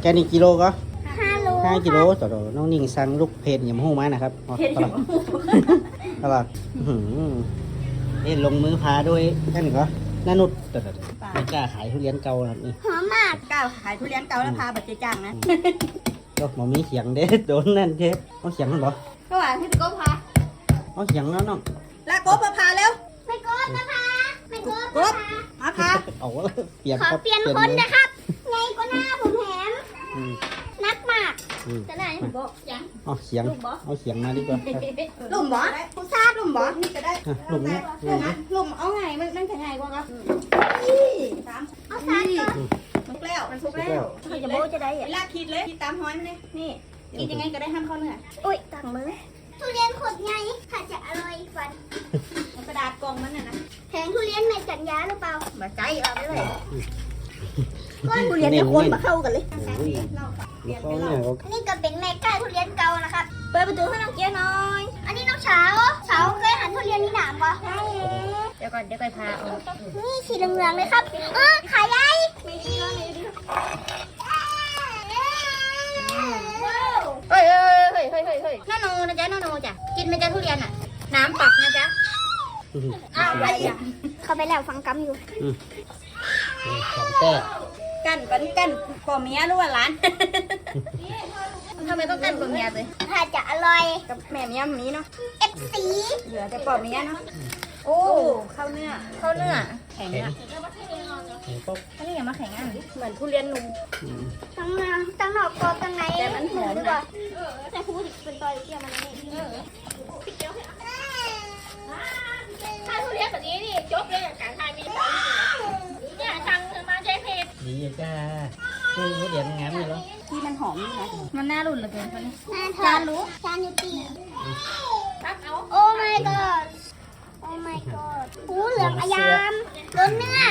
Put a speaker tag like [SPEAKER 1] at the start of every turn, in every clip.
[SPEAKER 1] กนี่กิโลก็
[SPEAKER 2] 5 โล
[SPEAKER 1] 5 กิโลต่อน้องนิ่งสั่งลูกเพจยำหูมานะครับเพจยำหูตลอดลงมือพาด้วยนั่นก็นานุชไม่กล้าขายทุเรียนเก่าครับนี่
[SPEAKER 2] หอมมาก
[SPEAKER 3] ก้าวขายทุเรียนเก่าแล้วพาบัตรเจจังนะ
[SPEAKER 1] ก็หมอมีเสียงเด็ดโดนนั่นเทปเอาเสียงมันบ่
[SPEAKER 3] ก็ว่าให้พี่ก็พา
[SPEAKER 1] เอาเสียงแล้วน้อง
[SPEAKER 3] แล้วก็พาเร็ว
[SPEAKER 2] ไม่กดนะคะไม่กด
[SPEAKER 3] กบมาพา
[SPEAKER 1] เอาเปลี่ยน
[SPEAKER 2] ขอ
[SPEAKER 1] ครับ
[SPEAKER 2] เปลี่ยนคนนะครับไงก็หน้าผมแหมนักมาก
[SPEAKER 3] จะไหนผมบอกยัง
[SPEAKER 1] เอาเสียงเอาเสียงมาดีกว่าครับ
[SPEAKER 3] หลุมบ่ผู้ทราบหลุมบ่นี่จะได้
[SPEAKER 1] หลุมเนี้ย
[SPEAKER 3] หลุมเอาไงมันจะไงกว่าครับ
[SPEAKER 2] เอาซาดก่อน
[SPEAKER 3] มันแล้วมันสุกแล้ว
[SPEAKER 2] เขาจะโบจะได้
[SPEAKER 3] เว
[SPEAKER 2] อ่ะ
[SPEAKER 3] ลาคิดเลยคิดตามห้อยมันเลยนี่กินยังไงก็ได้ห้ามเข้าเนื้อ
[SPEAKER 2] อุ้ยตังมือทุเรียนขดไงถ้าจะอร่อยฟัน
[SPEAKER 3] กระดาษกองมันน่ะนะ
[SPEAKER 2] แผงทุเรียนไม่จัดยาหรือเปล่า
[SPEAKER 3] มาใจเอาได้เลย
[SPEAKER 2] ทุเรียนจะคนมาเข้ากันเลย
[SPEAKER 1] เขาเนี่ยเขา
[SPEAKER 2] อันนี้ก็เป็นแม่ก้าทุเรียนเก่านะครับ เปิดประตูให้น้องเกียร์หน่อย อันนี้น้องเฉาเคยหันทุเรียนนี่หนามปะใช่
[SPEAKER 3] เดี๋ยวก่อนพาเอา
[SPEAKER 2] นี่สีเหลืองๆเลยครับขายใหญ่
[SPEAKER 3] เฮ้ยน้าโนนะจ๊ะน้าโนจ้ะกินไหมจ๊ะทุเรียนอ่ะน้ำปักนะจ๊ะอ้าวอะไรอ่ะ
[SPEAKER 2] เข้าไปแล้วฟังกำอยู่
[SPEAKER 1] ของแต้
[SPEAKER 3] กันปอเมียหรือว่าร้านทำไมต้องกันปอเมียเลย
[SPEAKER 2] ถ้าจะอร่อย
[SPEAKER 3] กับแม่เมียมันนี้เนาะ
[SPEAKER 2] FC
[SPEAKER 3] เหลือแต่ปอเมียเนาะโอ้เข้าเนื้อแข็งอ่ะ
[SPEAKER 1] เห็นปุ๊บ
[SPEAKER 3] อันนี้อย่ามาแข็งอ่ะเหมือนทุเรียนนุ่ม
[SPEAKER 2] ตั้งนอกกรอบตั้งใน
[SPEAKER 3] แต่มันหอม
[SPEAKER 2] ดี
[SPEAKER 3] นะ
[SPEAKER 2] กว่าแต่พูดเป็นตอยเกี่ยวมันนี่ถ้าทุเรียนแบบนี้นี่จบเลยการทานมีเนี่ยสั่งมาใช้เพจ
[SPEAKER 1] ดีจ้าคือเดี๋ยวงานนี่แล้ว
[SPEAKER 3] ที่มันหอมนี่นะมันน่ารุ่นเหลือเกินคนนี้
[SPEAKER 2] จานรู้จานยูตีโอ้ my god โอ้ my god หูเหลืองอายามล้นเนื้อ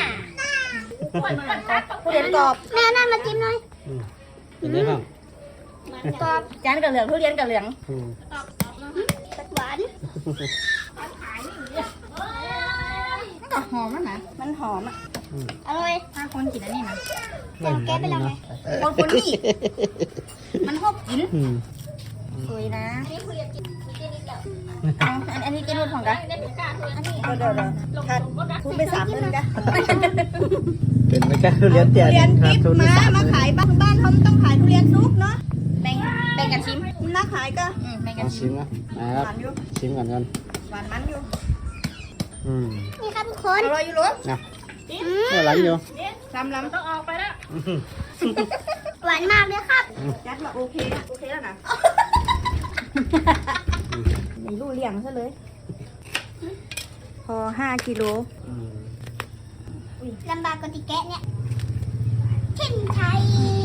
[SPEAKER 3] ทุเรียนกรอบ
[SPEAKER 2] แม่นั่นมาจิ้มหน่อย
[SPEAKER 1] เป็นไงบ้าง
[SPEAKER 2] กรอบ
[SPEAKER 3] จานกับเหลืองทุเรียนกับเหลือง
[SPEAKER 2] หวาน
[SPEAKER 3] หอมนะมันหอมอ่ะ
[SPEAKER 2] อร่อย
[SPEAKER 3] ถ้าคนกินอันนี้นะ
[SPEAKER 2] แกไปแล้วไง
[SPEAKER 3] คนนี้มันชอบกินสวยนะ
[SPEAKER 2] นี่คุยกับจิ้มนิดเดียว
[SPEAKER 3] อันนี้กินรุ่นของกัน
[SPEAKER 2] อันนี้
[SPEAKER 3] เดี๋ยวคัดทุนไป30,000กัน
[SPEAKER 1] เป็นไม่กล้าทุเรียนเตี้ย
[SPEAKER 3] ทุเรียน
[SPEAKER 1] ค
[SPEAKER 3] ทิ
[SPEAKER 1] รับ
[SPEAKER 3] พ
[SPEAKER 1] ทุ
[SPEAKER 3] ย์
[SPEAKER 1] เรียน
[SPEAKER 3] มาขายบ้านเขาต้องขายทุเรียนซุปเนาะแบ่งกันชิมน่าขายก็แบ่งกัน
[SPEAKER 1] เอา
[SPEAKER 3] ชิ
[SPEAKER 1] ชิ
[SPEAKER 3] ม
[SPEAKER 1] มนะนะ
[SPEAKER 3] ห
[SPEAKER 1] ครับ
[SPEAKER 3] วานอยู่
[SPEAKER 1] ชิมก่อนกัน
[SPEAKER 3] หวานมันอยู่
[SPEAKER 2] นี่ครับทุกคน
[SPEAKER 3] อร่อยอยู่รส
[SPEAKER 1] นะหลังอยู่
[SPEAKER 3] ลำต้องออกไปแล้ว
[SPEAKER 2] หวานมากเลยครับ
[SPEAKER 3] ยัดมาโอเคแล้วนะไม่รู้เลี้ยงซะเลย พอ5 กิโล
[SPEAKER 2] ลำบากกว่าติแกะเนี่ยเช่นไทย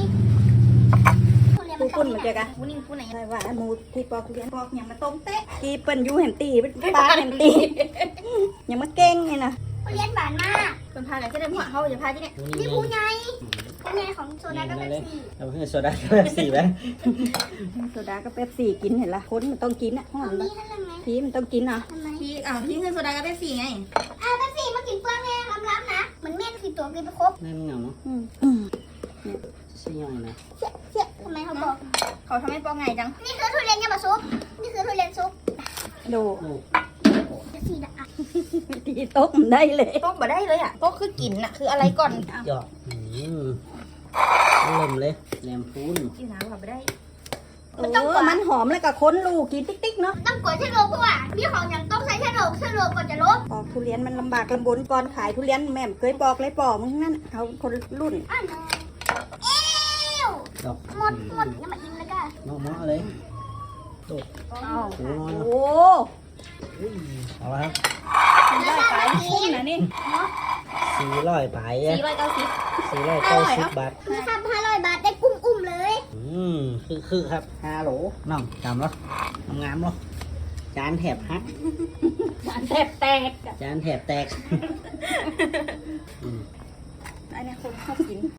[SPEAKER 3] ปูปุ่นมาเจอกันปูนิ่งปูไหนอะไรวะหมูที่ปอกทุเรียนปอกอย่างมาต้มเตะกีเปิ้นยูเห็นตีเป็นปลาเห็นตีอย่างมาเก่งไงนะ
[SPEAKER 2] ทุเรียนหวานมาก
[SPEAKER 3] คนพาไหนก็ได้หัวเขาอย่าพาที่นี่
[SPEAKER 2] นี่ผู้ใหญ่ผู้ใหญ่ของโซดาก็เป็นสี
[SPEAKER 1] เอาเพื่อโซดาแบบสี่ไหม
[SPEAKER 3] โซดาก็เป๊ปซี่กินเห็นละคนมันต้องกินอ่ะห้อง
[SPEAKER 2] เอา
[SPEAKER 3] มัน
[SPEAKER 2] มีท่านยังไง
[SPEAKER 3] พี่มันต้องกินอ่ะ
[SPEAKER 2] ทำไม
[SPEAKER 3] พี่พี่คือโซดาก็เป๊ปซี่ไง
[SPEAKER 2] เป็นสีมากินเปลือกไงล้ำๆนะเหมือนเม่นคือตัวกินไปครบ
[SPEAKER 1] นั่นเงาเนาะชี้ยังไงนะ
[SPEAKER 2] เชี่ยทำไมเขาบอก
[SPEAKER 3] เขาทำให้ปอกไงจัง
[SPEAKER 2] นี่คือทุเรียนยามาซุปนี่คือทุเรียนซุป
[SPEAKER 3] ดู
[SPEAKER 2] จะสีดะ
[SPEAKER 3] ตีโต๊ะได้เลยโต๊ะมาได้เลยอ่ะโต๊ะคือกินอ่ะคืออะไรก่อน
[SPEAKER 1] หยอกลมเลยแหลมพูน
[SPEAKER 3] กินน้ำค่ะไม่ได้มันหอมเลยกับคนลูกกินติ๊กๆเนาะ
[SPEAKER 2] ต้องกดชะโลเพราะว่าพี่ของอย่างต้องใช้ชะโลก่อนจะลบ
[SPEAKER 3] ปอกทุเรียนมันลำบากลำบนก่อนขายทุเรียนแม่เคยปอกเลยปอกมึงนั่นเขาคนรุ่น
[SPEAKER 2] อ้าวเอ้ว
[SPEAKER 1] ดอก
[SPEAKER 2] หมดอย่ามาอิ่มแล้วกัน
[SPEAKER 1] น้องมอเลยโดด
[SPEAKER 3] โอ้
[SPEAKER 1] เอาละครับ
[SPEAKER 3] ได้ขายคุ้มนะนี่
[SPEAKER 1] 400ไป
[SPEAKER 3] 490
[SPEAKER 1] 490 บาท
[SPEAKER 2] นี่ครับ500 บาทได้กุ้งอุ้มเลย
[SPEAKER 1] คือครับ5โหลน้องจำแล้วงามเนาะจานแถบฮัก
[SPEAKER 3] จานแทบแตก
[SPEAKER 1] จานแถบแตก
[SPEAKER 3] อันนี้คนชอบกิน